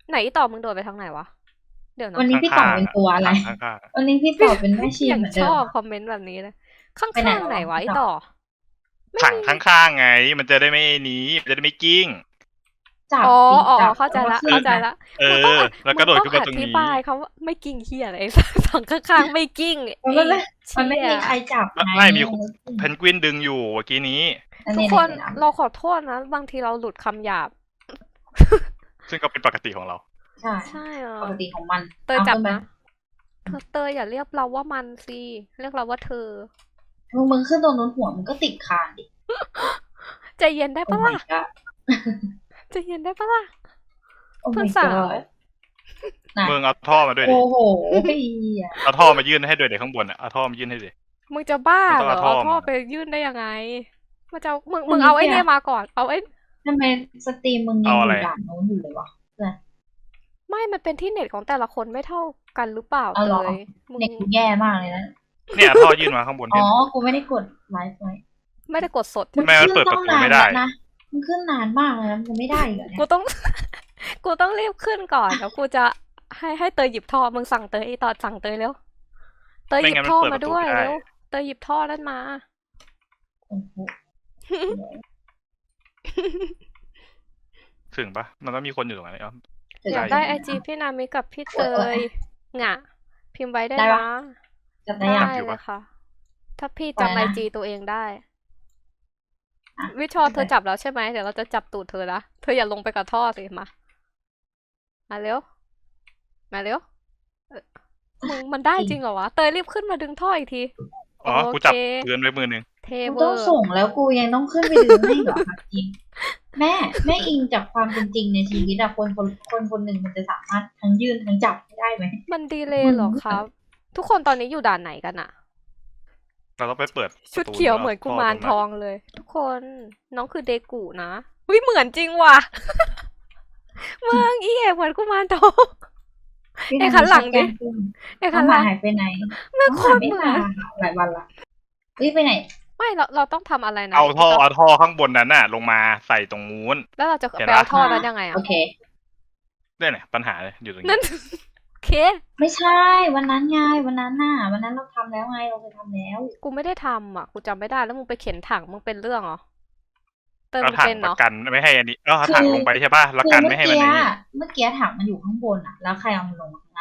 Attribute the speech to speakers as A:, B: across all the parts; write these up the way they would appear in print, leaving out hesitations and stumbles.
A: ไหนอีต่อมึงโดดไปทางไหนวะเดี๋ยวนะ
B: วันนี้พี่ต่อเป็นตัวอะไร
C: ข้าง
B: วันนี้พี่ต่อเป็นแม่ชี
A: อย่าง
B: เหมือน
A: ช
B: เดิม
A: อบ
B: อะ
A: คอมเมนต์แบบนี้เลยข้
B: ไปไหน
A: างๆไหนวะ
B: พี่
A: อี
B: ต่อ
A: ต่อไม่
C: ถัง
A: มี
C: ข้างๆไง มันจะได้ไม่นี้มันจะได้ไม่กิ้ง
B: จับ
A: อ๋อ
B: สิ
A: อ๋อ
B: จับ
A: เข้าใจละ
B: แล้วก็
A: เข้าใจ
B: ขึ้น
A: ละ
C: เอ
A: มึงต้อง
C: อ แล้วก็โดดขึ้นมาตรง
A: อธิ
C: นี้
A: บายเขาว่าไม่กิ้งเฮียอะไร ฝั่งข้างๆไม่กิ้ง
B: มัน
A: ไอ้
B: มันไม่
A: เชี่
B: มี
A: ย
B: ใครจับไง
C: ไม่มีเพนกวินดึงอยู่เมื่อกี้นี้
B: อัน
A: ทุก
B: นี้
A: คน
B: ไหๆ
A: เราขอโทษนะ บางทีเราหลุดคำหยาบ
C: ซึ่งก็เป็นปกติของเรา
B: ใช่
A: ใช่เหรอ
B: ปกติของมัน
A: เตยจับ
B: ขึ้นไป
A: นะเตยอย่าเรียกเราว่ามันสิเรียกเราว่าเธอ
B: มึงขึ้นตรงนู้นหัวมึงก็ติดคานดิ
A: ใจเย็นได้
B: โอ้
A: ปะ
B: my
A: ล่ะ
B: god
A: ใจเย็นได้ปะล่ะ
B: โอ้
A: เพื่อ
B: my
A: นสาว
B: god น่ะ
C: มึงเอาท่อมาด้วยดิ
B: โอ้โหเหี้ย
C: เอาท่อมายื่นให้ด้วยเด็กข้างบนอ่ะเอาท่อมายื่นให้ดิ
A: มึงจะบ้า
C: มันต้
A: เห
C: อง
A: รอ
C: เอาท่อ
A: เอาท่อ
C: มา
A: ไปยื่นได้ยังไงมันจะมึงเอาไอ้เนี่ยมาก่อนเอาไอ้
B: ทำไมสตรีมมึงยังอยู่ด่านโน้นอยู่เลยวะ
A: ไม่มันเป็นที่เน็ตของแต่ละคนไม่เท่ากันหรือเปล่า
B: เอาเหรอ
A: เลยมึง
B: เน็ตกูแย่มากเลยนะ
C: เนี่ยท่อยื่นมาข้างบน
B: อ๋
C: เนี่
B: อ
C: ย
B: กูไม่ได้กดไลฟ์ไว้
A: ไม่ได้กดสด
C: ทำไมมันเปิดประตูไม่ได้
B: มันขึ้นนานมากเลยนะมันไม่ได้อีกเหรอเนี่ย
A: กูต้อง กูต้องรีบขึ้นก่อนแล้วกูจะให้เตยหยิบท่อมึงสั่งเตยไอ้ตอนสั่งเตยเร็วเตยหยิบท่อมาด้วยเร็วเตยหยิบท่อนั่นมา
B: โอ้โห
C: ถึงปะมันต้องมีคนอยู่ตรงนั้น
A: อยากได้ไอจีพี่นามิกับพี่เตยงะพิมพ์ไว้ได้นะ
B: จับได้
A: ได้
B: ยัง
A: เลยค่ะ ถ้าพี่
B: ไว้
A: จำไอ
B: นะ
A: จีตัวเองได้
B: อ่ะ
A: วิชอเธอจับแล้วใช่ไหมเดี๋ยวเราจะจับตูดเธอนะเธออย่าลงไปกับท่อสิมาเร็วมาเร็วมึงมันได้จริงเหรอวะเตยรีบขึ้นมาดึงท่ออีกที
C: อ๋อ กูจับ
A: โอเค
C: เงินไว้มือหนึ่ง
A: เท
B: กู
A: เว
B: ต้
A: อ
B: อง
A: ร์
B: ส่งแล้วกูยังต้องขึ้นไปดึงให้เหรอคะจริงแม่อิงจากความเป็นจริงในชีวิตอะคนหนึ่งมันจะสามารถทั้งยื่นทั้งจับได้ไหม
A: มันดีเลยเหรอครับ ทุกคนตอนนี้อยู่ด่านไหนกันอะ
C: เราต้องไปเปิด
A: ชุดเขียวเหมือนกุมารทองเลย ทุกคนน้องคือเดกูนะวิเหมือนจริงว่ะ เมืองอีเอกเหมือนกุมารทอง ไอ้ขันหลังดิ ไอ้
B: เขา
A: คัน
B: มา
A: ละ
B: หายไปไหน
A: ไม่
B: เขา
A: โค
B: หาย
A: ตร
B: ไม่
A: เหมือ
B: มาน หลายวันละเฮ้ยไปไหน
A: ไม่เราต้องทำอะไรนะ
C: เอาท่อข้างบนนั้นน่ะ ลงมาใส่ตรงนู้น
A: แล้วเราจะ
C: เห็น
A: ไป
C: ปะ
A: เอาท่อนั้นยังไง
B: โอ
A: อะ
B: เค
C: ได้เนี่ยปัญหาอยู่ตรงนี้
A: นั่น โอเค
B: ไม่ใช่วันนั้นไงวันนั้นเราทำแล้วไงเราเคยทำแล้ว
A: กูไม่ได้ทำอ่ะ กูจำไม่ได้แล้วมึงไปเข็นถังมึงเป็นเรื่องเหรอเติม
C: เอา
A: มึง
C: ถัง
A: เป็น
C: ป
A: เนาะ
C: ระกันไม่ให้อันนี้เอาถังลงไปใช่ป่ะแล้วกันไม่ให้มันนี้
B: เมื่อกี้ถังมันอยู่ข้างบนอะแล้วใครเอามันลงมาข้างล่าง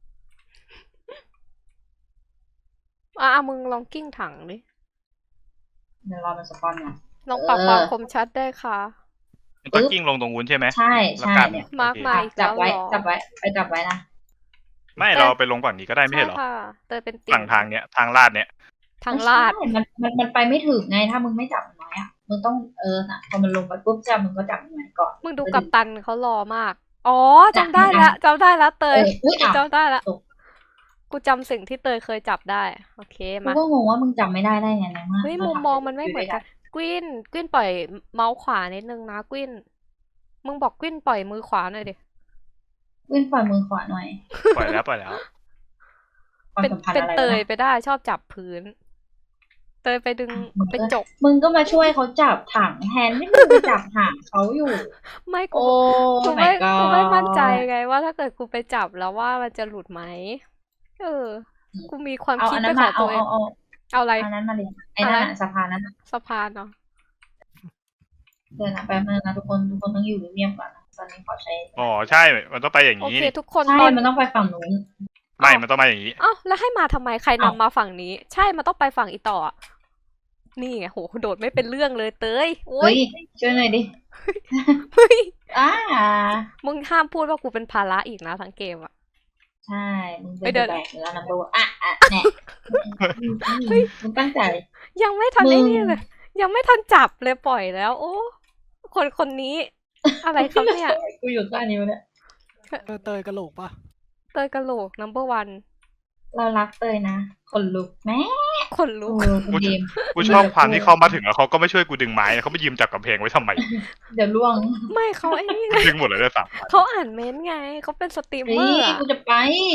A: มึงลองกิ้งถังดิ
B: เดี๋ยวรอมันสปอนก่อน
A: ลองปรับความคมชัดได้ค่ะ
C: มันต้องกิ้งลงตรงนู้นใช่ไหม
B: ใช่
C: แล้ว
B: ใช่
C: กัน
B: เนี่ย
A: มาร์ค
C: โอเค
A: มาอีก
B: จั
A: แล้
B: บ
A: ว
B: ไว้
A: เหรอ
B: จับไว้นะ
C: ไม่เราไปลงฝั่งนี้ก็ได้ไม่ใช่เหรอ
A: ค่ะเตยเป็นติ่
C: ฝั่งทางเนี้ยทางลาดเนี้ย
A: ทางลาด
B: ไม่ใช่มันไปไม่ถึงไงถ้ามึงไม่จับมันไว้อะมึงต้องน่ะพอมันลงไปปุ๊บจ้ามึงก็จับมันไว้ก่อน
A: มึงดูกัปตันเขารอมาก อ๋อจำได้ละจำได้ละเตย
B: อุ้ย
A: กู
B: อ่ะ
A: จำได้ละ
B: ตก
A: กูจำสิ่งที่เตยเคยจับได้ โอเค
B: กู
A: มา
B: ก็งงว่ามึงจำไม่ได้ไงในเมื่อ
A: เฮ้ย
B: รา
A: มุม
B: ทำ
A: มองมันไม่เหมือนกัน กวินปล่อยเมาส์ขวานิดนึงนะกวินมึงบอกกวินปล่อยมือขวาหน่อยดิ
B: วิ่งปล่อยมือขวาหน่อย
C: ปล่อยแล้ว
B: ความ
A: เป็น
B: สัมพันธ์
A: เป็น
B: อะไร
A: เตยว
B: ะ
A: ไปได้ชอบจับพื้น เตยไปดึง
B: มึง
A: ไปจก
B: มึงก็มาช่วยเขาจับถังแทนที่มึงไปจับถังเขาอยู่
A: ไม่กู
B: โอ้
A: กู
B: my
A: ไม่
B: god
A: กูไม่มั่นใจไงว่าถ้าเกิดกูไปจับแล้วว่ามันจะหลุดไหมกูมีความ
B: เอา
A: คิด
B: อัน
A: เป็
B: นั้น น
A: ขอ
B: มาง
A: ตัวเอง เอาอะไร
B: อันนั้นมาเลยไอ้นั่น
A: อะไร
B: น่ะสะพานนั้นน่ะ
A: สะพานเนาะ
B: เดี๋ยวนะแป๊บนึงนะทุกคนต้องอยู่เงียบๆก่อนนะตอนนี้ขอใช้
C: อ๋อใช่ มันต้องไปอย่าง
A: โอ
C: นี้
A: เค ทุกคน
B: ใช่
A: ตอน
B: มันต้องไปฝั่งนู้น
C: ไม่มันต้องมาอย่างนี้
A: เอ้าแล้วให้มาทำไมใครนำ
B: เอ้าม
A: มาฝั่งนี้ ใช่มันต้องไปฝั่งอีต่ออะนี่ไงโหโดดไม่เป็นเรื่องเลยเตยโอ้
B: เฮ้
A: ย
B: ยช่วยหน่อยดิ
A: เฮ้ย
B: อ่า
A: มึงห้ามพูดว่ากูเป็นภาระอีกนะทั้งเกมอะ
B: ใช่ มึง
A: เฮ้
B: เป็
A: ย
B: น
A: เดี๋ยว
B: แบกเนื้อนัมเบอร์แน่มึงตั้งใจ
A: ยังไม่ทัน
B: มึง
A: ไอ้นี่เลย ยังไม่ทันจับเลยปล่อยแล้ว โอ้คนนี้ อะไรครับเนี่ย
B: กูอยู่ใต้นิ้วเนี่ย
D: เตยกระโหลกปะ
A: เตยกะโหลก number one
B: เรารักเตยนะคนลุกแม่
A: คนลุก
B: คุณดีม
C: กูชอบความที่เขามาถึงแล้วเขาก็ไม่ช่วยกูดึงไม้นะเขาไม่ยืมจับกำแพงไว้ทำไม
B: เดี๋ยวล่วง
A: ไม่เขาไอ้นี่ไง
C: ดึงหมดเลยด้วยซ้
A: เขาอ่านเม้นต์ไงเขาเป็นสตรีมเม
B: เฮ้
A: อย ร์อะ
B: กูจะไป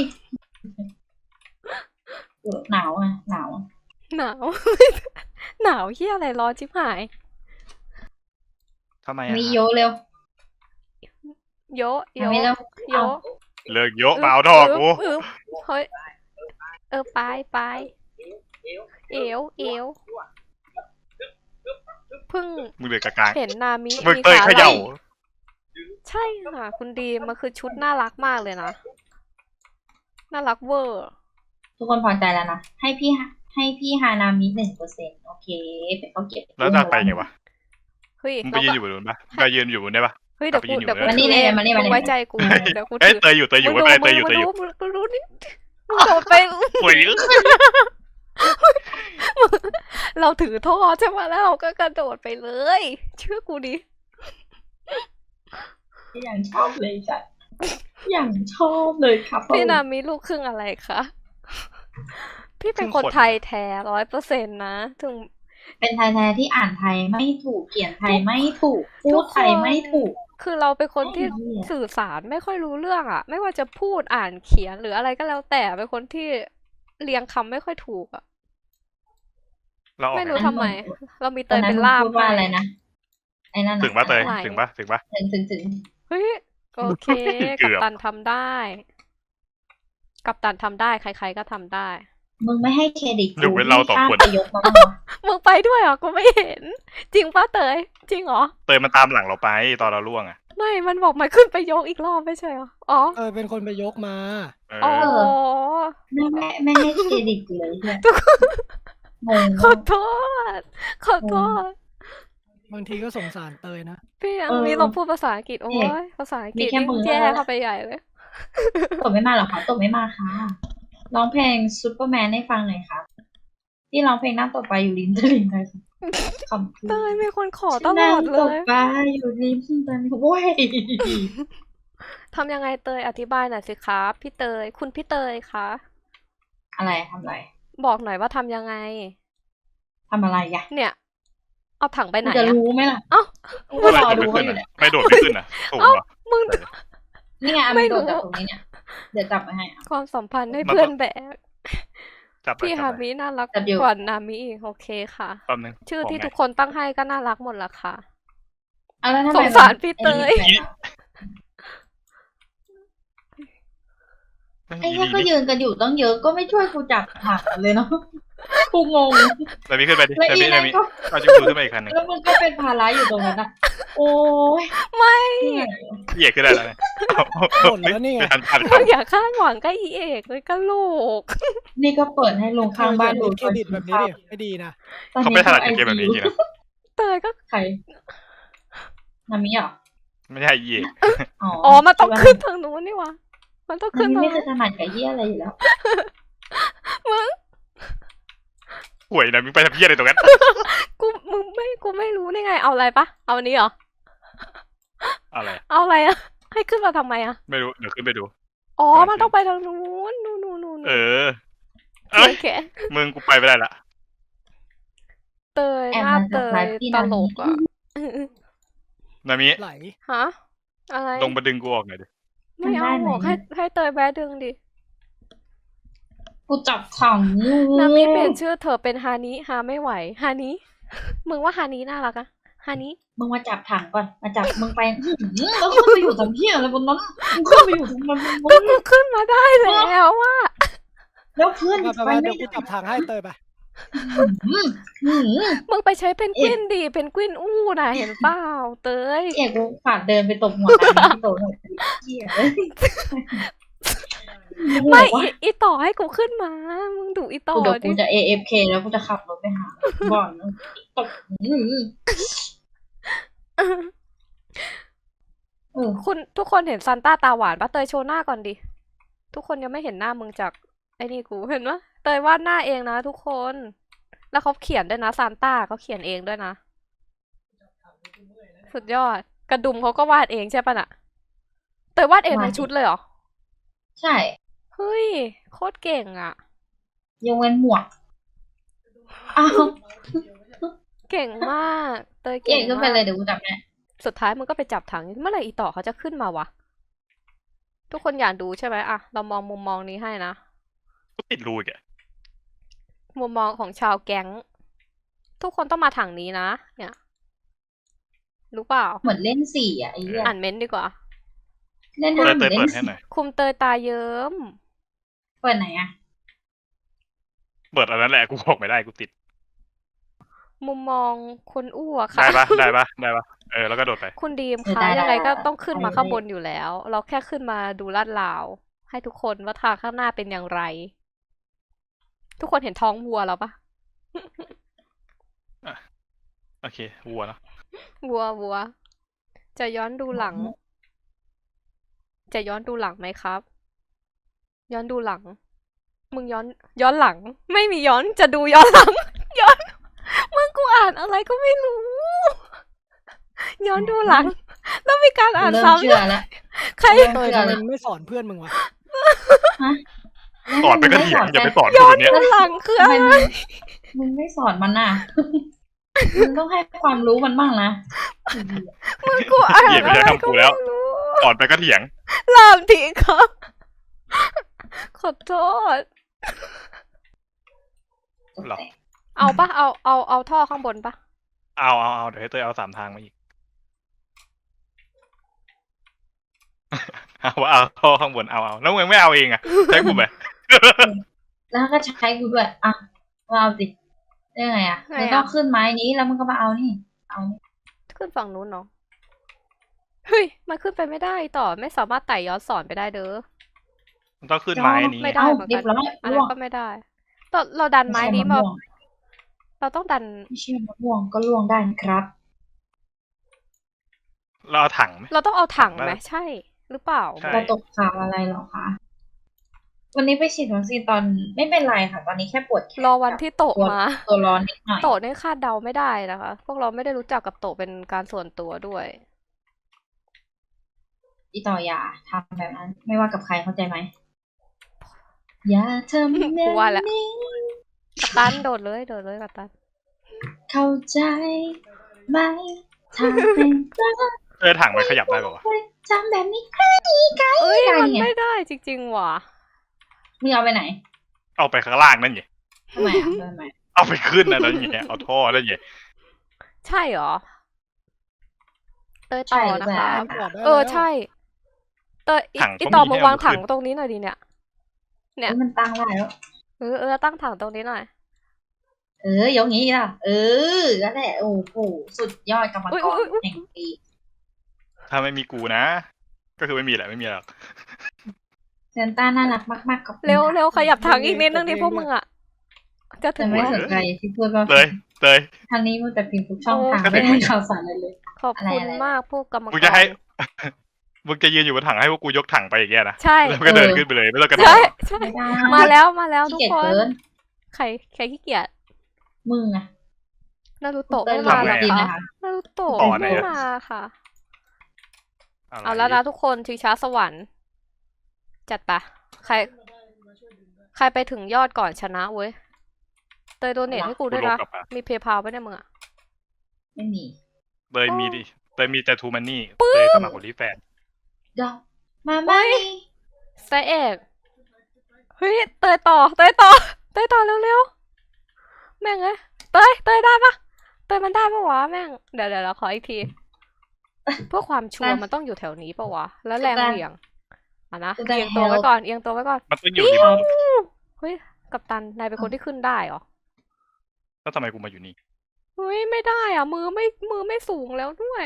B: หนาวอ่ะหนาว
A: หนาว หนาวเฮียอะไรร้อนชิบหาย
C: ำทำไมอะ
B: มีโยเร็ว
A: โยะโย
B: ทำไม่แล้
A: ะ
B: ว
A: โยะ
C: เลิกโยกมาเอาทองกู
A: อึ๊บเฮ้ยไปเอวเพิ่ง
C: มึงเหลือกลาง
A: เห็นนามิ
C: มึง
A: มี
C: เตย
A: ขา
C: เข
A: ไหล่
C: ย่า
A: ใช่ค่ะ คุณดีมมันคือชุดน่ารักมากเลยนะ น่ารักเวอร์
B: ทุกคนพอใจแล้วนะให้พี่ฮานามิ1%โอเคเป็นเขาเก็บ
C: แล้วจะไปไงวะ
A: เฮ้ย
C: มึงไปยืนอยู่บนนู้นปะไปยืนอยู่บนได้ปะ
A: เฮ้ยเดี๋ยวกู
C: กลับไปยืนอยู่
A: เดี๋ยวกู
C: เลย
A: ถือเอง
B: มานี่
A: มึงไว้ใจกู
C: เฮ้ย
A: เดี๋ยวกู
C: เอ้ย
A: ถือ
C: เตยอยู่ไม่เป็นไรเตยอยู่
A: มึงดูนี่มึงโดดไป
C: โอ้ย
A: เราถือท่อใช่ไหมแล้วเราก็กระโดดไปเลย เชื่อกูดิ
B: อย่างชอบเลยจ้ะอย่างชอบเลยครับ
A: พี่นามีลูกครึ่งอะไรคะ พี่เป็นคนไทยแท้100%นะถึง
B: เป็นไทยแท้ที่อ่านไทยไม่ถูกเขียนไทยไม่ถูกพู
A: ทุ
B: ด
A: กคน
B: ไทยไม่ถูก
A: คือเราเป็นคนที่
B: ไอ้เหี้ย
A: สื่อสารไม่ค่อยรู้เรื่องอะไม่ว่าจะพูดอ่านเขียนหรืออะไรก็แล้วแต่เป็นคนที่เรียงคำไม่ค่อยถูกอะ
C: เราออก
A: ไม่
C: ไง
A: รู้ทำไม เรามีเต
B: ตอน
A: ย
B: นั้
A: เป็น นล่าม
B: พูดว่า
A: ให้
B: อะไรนะไอ้นั่นน่ะ
C: ถึงปะเตย
A: ไหน
C: ถึงปะ
B: ถึง
A: เฮ้ยโอเค
C: เกื
A: กั
C: อบ
A: ปตันทำได้ กัปตันทำได้ใครๆก็ทำได้
B: มึงไม่ให้เครดิต
C: ยกเว้นเราสองคน
B: ข้ามไปยกมาบ้างวะ
A: มึงไปด้วยเหรอกูไม่เห็น จริงป้าเตย จริงเหรอ
C: เตยมันตามหลังเราไปตอนเราล่วงอ่ะ
A: ไม่มันบอกมันขึ้นไปยกอีกรอบไม่ใช่เหรออ๋อ
D: เป็นคนไปยกมา
C: เอ
A: อ๋อ
C: อ
B: ไม่ให้เครดิตเลยเนี่ยงง
A: ขอโทษขอโทษ
D: บางทีก็สงสารเตยนะ
A: พี่ยังมีลองพูดภาษาอังกฤษโอ้ยภาษาอังกฤษนี่แย่เข้าไปใหญ่เลย
B: ตบไม่มาหรอคะตบไม่มาค่ะร้องเพลงซูเปอร์แมนให้ฟังหน่อยครับที่ร้องเพลงนั่งตบไปอยู่ริมตลิ่งไปขอบคุณ
A: เตยมีคนขอตล
B: นั่
A: อง ดเล
B: ตบ
A: ย
B: ไปอยู่ริมตลิ่งโว้ย
A: ทำยังไงเตยอธิบายหน่อยสิครับพี่เตยคุณพี่เตยคะ
B: อะไรทำอะไร
A: บอกหน่อยว่าทำยังไง
B: ทำอะไรอ่ะ
A: เนี่ย เอาถังไปไหน
B: จะ
A: อะ
B: รู้ไหมล่ะ
A: เอ้า
B: กูก็รอ
C: ไม่
B: ดู
C: โดด
B: เขา
C: ไม่
B: อ
C: ขึ้
B: ยู่
C: น
B: เนี่ย
C: อ่ะไม่โดดไม่ขึ้นอ่ะสูงเหรอ
A: มึง
B: นี่ไง
A: ไม่
B: ไม่
A: รู้
B: โดดจากตรงนี้เนี่ยเดี๋ยวจับมาให้อ่ะ
A: ความสัมพันธ์ให้เพื่อนแบก
C: จับไป
A: พี่
C: จั
A: ฮา
C: บไป
A: มิน่ารัก
B: จับอยู่
A: กว่านามิอีกโอเคค่ะ
C: แป๊บนึง
A: ชื่อที่
C: บ
A: ทุ
C: ก
A: ก
C: ไง
A: คนตั้งให้ก็น่ารักหมดละค่ะ
B: เอาแล้วทำไม
A: สงสารพี่เตย
B: ไอ้เนี่ยก็ยืนกันอยู่ต้องเยอะก็ไม่ช่วยกูจับถังเลยเนาะกูงง
C: แต่มีขึ้นไปดิ
B: แล้ว
C: แต่
B: อี
C: มีแต่
B: นั่น
C: มี
B: ก็
C: เอาจิ้มมือขึ้นมาอีกคันหนึง
B: แล้วมันก็เป็นภาระอยู่ตรงนั้นอ่ะโอ้ย
A: ไม่
B: เหนื่อย
C: เหยียดขึ้นได้แล้วเนี่ยเอา
D: หล่นแล้วนี่ไง
C: ไม่ทันทัน
A: มึงอย่าคาดหวังกับอีเอกเลยกะโหลก
B: นี่ก็เปิดให้ลงข้างบ้านดู
D: เครดิตแบบนี้ดิไม่ดีนะ
B: ตอน
C: เขา
B: นี้
C: ไม่ถนัดเกมแบบนี้จริงๆนะ
A: เตยก็
B: ใครนามิเหรอ
C: ไม่ใช่เหยียด
A: อ๋อมันต้องขึ้นทางนู้นนี่หวะมันต้อง
B: นา
A: ขึ้น
B: มิ
A: ทาง
B: ไม่เค
A: นู้
B: ย
A: น
B: ถนัดกับเหี้ยอะไรอยู่แล้ว
A: มึง
C: ห่วยนะมึงไปทำเพี้ยอะไรตรงนั้น
A: กูไม่รู้ได้ไงเอาอะไรปะเอาอันนี้เหรอ
C: อะไร
A: เอาอะไรอะให้ขึ้นมาทำไมอะ
C: ไม่รู้เดี๋ยวขึ้นไปดู
A: อ๋อ
C: กำลัง
A: มันต้องไปทางนู้นนู่น
C: เออ เอ้ย
A: โอเค
C: มึงกูไปไม่ได้ละ
A: เตย
B: แอบ
A: หน้า
B: มา
A: เต
B: เซอร์ไพร
A: ย
B: ส์พี่
A: ต
B: นา
A: ล
B: มิ
A: กอะ
C: นามิ
D: ไหล
A: ฮะอะไร
C: ลงมาดึงกูออกหน่อยดิ
A: ไม่เอาหรอกให้เตยแบะดึงดิ
B: กูจับถังอยู่
A: นามิเปลี่ยนชื่อเธอเป็นฮานิฮาไม่ไหวฮานิมึงว่าฮานิน่ารักอะฮานิ
B: มึงมาจับถังก่อนมาจับมึงไปแล้วขึ้นไปอยู่ทำเหี้ยอะไรบนนั้นมึงขึ้นไปอยู่ตรงนั้นมึ
A: ก็
B: ง
A: กูขึ้นมาได้แล้วว่า
B: แล้วเพื่อน
D: ไป
B: ไป
D: เดี๋
B: ไม่
D: ยวกูจับทางให้เตยไป
A: มึงไปใช้เพนกวินดีเพนกวินอู้น่ะเห็นเปล่าเตย
B: เอกกูฝากเดินไปตบหัวนามิที่โตหน่อยเหี้ยเลย
A: ไม่อีต่อให้กูขึ้นมา มึงดูอีต่อ
B: กูเดี๋ยว
A: ดิ
B: กูจะ AFK แล้วกูจะขับรถไปหาบ่อนตบ
A: คุณทุกคนเห็นซันต้าตาหวานปะเตยโชว์หน้าก่อนดิ ทุกคนยังไม่เห็นหน้ามึงจากไอ้นี่กูเห็นปะเตยวาดหน้าเองนะทุกคน แล้วเขาเขียนด้วยนะซันต้าเขาเขียนเองด้วยนะ สุดยอด กระดุมเขาก็วาดเองใช่ปะน่ะ เตยวาดเองในชุดเลยเหรอ
B: ใช่
A: เฮ้ย โคตรเก่งอ่ะ
B: ยกเว้นหมวกอ้าว
A: เก่งมาก เตย
B: เก่
A: เก่
B: ง
A: ง
B: ขึ้นไป
A: มาก
B: เลยเดี๋ยวกูจับแน่
A: สุดท้ายมึงก็ไปจับถัง เมื่อไหร่อีต่อเขาจะขึ้นมาวะ ทุกคนอยากดูใช่ไหมอะเรามองมุมมองนี้ให้นะ
C: กูติดรูอีกอ่ะ
A: มุมมองของชาวแก๊ง ทุกคนต้องมาถังนี้นะ เนี่ย รู้เปล่า
B: เหมือนเล่น4อ่ะไอ้เหี้ย
A: อ่านเม้นต์ดีกว่า
B: เล่น
C: เต
B: ห้าย ม
C: เตย
B: เล่
C: เปิ
B: น
C: ดให้หน่อย
A: คุมเตยตาเยิ้ม
B: เปิดไหนอะ
C: เปิดอันนั้นแหละกูบอกไม่ได้กูติด
A: มุมมองคนอ้วก
C: ได้
A: ค่ะ
C: ปะได้ปะได้ปะแล้วก็โดดไป
A: คุณดีมคะยังไงก็ต้องขึ้นมาข้างบนอยู่แล้ว เราแค่ขึ้นมาดูลาดราว ให้ทุกคนว่าทางข้างหน้าเป็นอย่างไร ทุกคนเห็นท้องวัวแล้วปะ
C: โอเควัวเนาะ
A: วัว จะย้อนดูหลัง จะย้อนดูหลังไหมครับ ย้อนดูหลัง มึงย้อนหลัง ไม่มีย้อนจะดูย้อนหลัง ย้อน มึงกูอ่านอะไรก็ไม่รู้ ย้อนดูหลัง ต้องมีการอ่าน
B: เริ่ม
A: ซ้ำ
B: เชื่อแล้ว
A: ใคร
B: เริ่ม
D: เตย
B: เชื่อ
D: ทำไม
B: แล้ว
D: มึงไม่สอนเพื่อนมึงวะ
C: สอนไปก็เถียงอย่าไปสอน
A: ย้
C: กู
A: อน
C: เนี้ย
A: ดูหลังคือ
B: ทำ
A: อะ
B: ไม
A: ไร
B: มึงไม่สอนมันน่ะ มึงต้องให้ความรู้มันบ้างนะ
A: มึงกูอ่าน
C: เหยียบ
A: อะ
C: ไม่
A: ไร
C: ใช่
A: ก็
C: คำกู
A: ไม่
C: แล้ว
A: รู้
C: สอนไปก็เถียง
A: ลามทีครับ ขอโทษ
C: หรอ
A: เอาปะเอาท่อข้างบนปะ
C: เอาเดี๋ยวให้เตยเอา3 ทางมาอีก เอาท่อข้างบนเอาแล้วมึงไม่เอาเองอะใช้กูไหม
B: แล้วก็ใช้กูด้วยอ่ะมาเอาสิได้ไงอ่ะมึงต้องขึ้นไม้นี้แล้วมึงก็มาเอานี่ เอานี่
A: ขึ้นฝั่งนู้นเนาะเฮ้ยมันขึ้นไปไม่ได้ต่อไม่สามารถไต่ย้อนสอนไปได้เด้อ
C: มันต้องขึ้นไม้นี้
A: ไม่ได้
B: เอ้า
A: เหมือน
B: เรี
A: กั
B: ย
A: น
B: บร้อย
A: อัน
B: ร่
A: นั้
B: วน ง
A: ก็ไม่ได้เราดันไม้นี้มาเราต้องดัน
B: ไม่ใช่มะม่วงก็ร่วงได้นะครับ
C: เราเอาถังไหม
A: เราต้องเอาถัง
C: ได้
A: ไหมใช่ หรือเปล่า
C: ใช่
B: เราตกข่าวอะไรเหรอคะ วันนี้ไปฉีดวัคซีนตอนไม่เป็นไรค่ะ ตอนนี้แค่ปวดแขน
A: รอวันที่โตะ
B: ตัว
A: มา
B: ตัวร้อนนิดหน่อย
A: โตะนี่คาดเดาไม่ได้นะคะ พวกเราไม่ได้รู้จักกับโตะเป็นการส่วนตัวด้วย
B: อีต่ออย่าทำแบบนั้น ไม่ว่ากับใครเข้าใจไหม อย่าทำแบบ
A: กูว่าแล้ว
B: นี้
A: กัปตันโดดเลยกัปตัน
B: เข้าใจไหมทำเป็นรัก
C: ถังมันขยับได้ป่าวะ
B: ทำแบบนี้ใกล้ใกล้
A: เอ้ย
B: ได้
A: มัน
B: ไง
A: ไม่ได้จริงๆว่ะ
B: มึงเอาไปไหน
C: เอาไปข้างล่างนั่นไง
B: ทำไมอ่ะทำไม
C: เอาไปขึ้นนะนั่นไงเอาท่อนั่นไง
A: ใช่เหรอ เตยต่อนะคะ
D: ถอดได้
A: เออ
D: แล้ว
A: ใช่เตย
C: ถัง
A: อี
C: ก็
A: ต่อ
C: มี
A: มา
C: ให้
A: วาง
C: เอา
A: ถัง
C: ขึ้น
A: ตรงนี้หน่อยดิเนี่ย เนี่ย
B: เอ้ยมันตั้งได้แล้ว
A: เออตั้งถังตรงนี้หน่อย
B: ยกงี้ล่ะ นั่นแหละ โอ้โห สุดยอดกรรมกรแห่งปี
C: ถ้าไม่มีกูนะ ก็คือไม่มีแหละไม่มีหรอก
B: เซนต้าน่ารักมากๆขอบคุณ
A: เร็ว
B: ค่ะ
A: เร็วขยับถังอีกนิดนึงดิพวกมึงอ่ะ จะถึ
B: แต่
A: ง
B: ไม่
A: แล้ว
B: สนใจที่พูดว่า
C: เลย
B: ทางนี้มันแต่พิมพ์ทุกช่องทาง
C: ก็ถึ
B: ไม่
C: ง
B: ได้ข่าวสารอะไรเลย
A: ขอบคุณ
B: อะไร
A: มากพวกกรรมกร
C: มึงจะให้ มึงจะยืนอยู่บนถังให้พวกกูยกถังไปอย่างเงี้ยนะ
A: ใช่
C: แล้วก็เดินขึ้นไปเลยไม่ต้องกระโด
A: ใช่
C: ด
A: ใช่
B: ไม่ได้
A: มาแล้วทุ
B: ขี้
A: ก
B: เกียจ
A: คน
B: เกิน
A: ใครขี้เกียจ
B: มึงอะ
A: นารูโตะ
B: เต้
A: ไม่
B: น
A: มา
B: ทำ
A: เหรอ
B: จริง
A: คะ
B: นะคะ
A: นารูโตะ
C: ต่อไหน
A: ไม่
C: อะ
A: มาค่ะ
C: อะไร
A: เอาแล้วนะทุกคนชิงช้าสวรรค์ จัดปะใครไปถึงยอดก่อนชนะเว้ย เตยโดเนทให้กูด้วยนะ
C: ลบกลับมา
A: มีเพย์พาปะเนี่ยมึงอะ
B: ไม่มี
C: เตยมีดิเตยมีแต่ทูมันนี่เตยสมัครคนรีแฟน
B: ดอกมาไม่
A: ไซเอกเฮ้ยเตยต่อเร็วๆแม่งเอ้ยเตยได้ปะเตยมันได้ปะวะแม่งเดี๋ยวเราขออีกที เพื่อความชัวร์มันต้องอยู่แถวนี้ปะวะ แล้วแรงเหวี่ยงอ่ะนะเอียงตัวไว้ก่อน
C: มันต้องอยู่ริม
A: เฮ้ยกัปตันนายเป็นคนที่ขึ้นได้เหรอ
C: แล้วทำไมกูมาอยู่นี่
A: เฮ้ยไม่ได้อ่ะ มือไม่สูงแล้วด้วย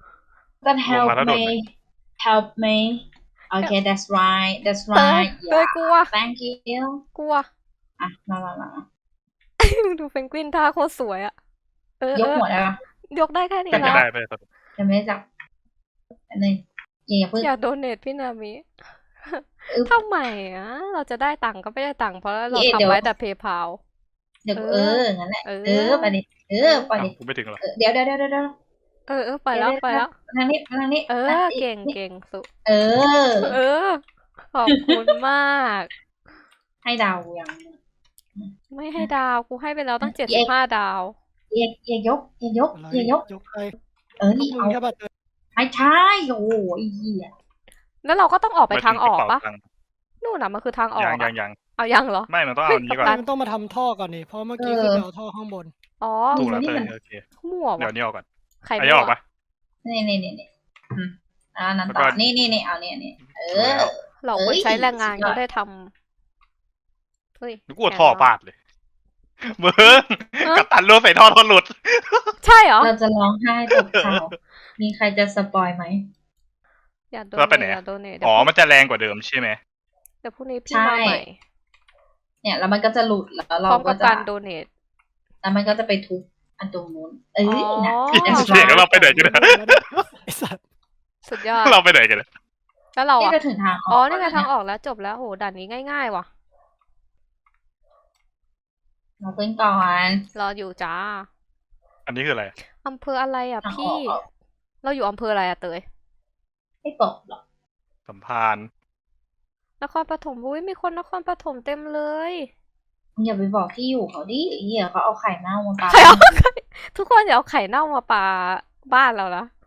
B: Then help
C: ลงมาแล้วโดด
B: me
C: ไหม
B: help me okay that's right
A: เตย
B: right
A: กลัว
B: thank you
A: กลัว
B: อ่ะมา
A: ดูเพนกวินท่าโคตรสวยอ่ะ
B: ยกหัวได้ปะ
A: ยกได้แค่นี้
C: ก็จะ
A: แล้ว
C: ได้ไป
B: ยังไม่ได้จับอันนึงอย่าเพิ่ง
A: อยากโดเนทพี่นามิ
B: อึ๊บ
A: ทำไมอ่ะ เราจะได้ตังค์ก็ไม่ได้ตังค์เพราะเรา
B: เดี๋ยว
A: ทำไว้แต่เพย์พา
B: เดี๋ยวงั้นแหละ ไปดิไปดิ
C: กูไม่ถึงหรอก
B: เดี๋ยว
A: ไปแล้ว
B: ทางนี้
A: เก่งสุ ขอบคุณมาก
B: ให้ดาวอย่าง
A: ไม่ให้ดาวกูให้ไปแล้วตั้ง75 ดาว
B: อย่ายก
D: อะไรยกไป
B: นี่
D: มึง
B: เอา
D: แค่บัตร
B: ไม่ใช่โอ้ยเหี้ย
A: แล้วเราก็ต้องออกไปทางออกปะ
C: ตังค์
A: นู่นน่ะมันคือทางออก
C: ยั
A: อะ
C: ง
A: เอายังเหรอ
C: ไม่มันต้องเอาอันนี้ก่อน
D: มันต้องมาทำท่อก่อนนี่เพราะเมื่อกี้คือไปเอาท่อข้างบน
A: อ๋อ
C: ถูกแล้วเตยโอเค
A: มั่ว
C: เดี๋ยว
A: วะ
C: นี้ออกก่อน
A: ใคร
C: อันนี้ออกปะ
B: นี่นั้นต่อนี่เอาเนี่ยเออ
A: เราคนใช้แรงงานก็ได้ทำเฮ้ย
C: นึกว่าท่อบาดเลยมึงกัปตันรู้ใส่ท่อหลุด
A: ใช่เหรอ
B: เราจะร้องไห้ตกข่าวมีใครจะสปอยไหม
A: อย่าโด
C: แล้วไป
A: เน
C: ไหน
A: ทอ
C: อะ
A: ย่าโดเนท
C: อ๋อมันจะแรงกว่าเดิมใช่ไหม
A: เดี๋ยวพรุ่งนี้พี่
B: ใช่
A: มาใหม่
B: เนี่ยแล้วมันก็จะหลุดแล้ว
A: พ
B: เรา
A: ร้อม
B: ก็
A: กับ
B: จะ
A: การโดเนท
B: แล้วมันก็จะไปทุบอันตรงนู้นเอ้ยนะ
A: อ๋อ
B: That's
C: เสียง
B: right
C: เราไปไหนกันนะ
D: ไอสัตว์
A: สุดยอด
C: เราไปไหนกันนะ
A: แล้วเรา
B: นี่
A: อ่ะ
B: ก็ถึงทางอ
A: อ๋อ
B: อก
A: นี่ไง
B: แล้ว
A: ทางออกแล้วจบแล้วโหด่านนี้ง่ายๆว่ะ
B: เราขึ้นก่อน
A: รออยู่จ้า
C: อันนี้คืออะไร
A: อำเภออะไรอ่ะ
B: ทางอ
A: พี่
B: อก
A: เราอยู่อำเภออะไรอ่ะเตย
B: ไม่ตกหรอก
C: สัมพันธ์
A: นครปฐมอุ้ยมีคนนครปฐมเต็มเลย
B: อย่าไปบอกที่อยู่เขาดิเหี้ยเขาเอาไข่เน่ามาปา
A: ใครเอาไข่ทุกคนอย่าเอาไข่เน่ามาปาบ้านเรานะ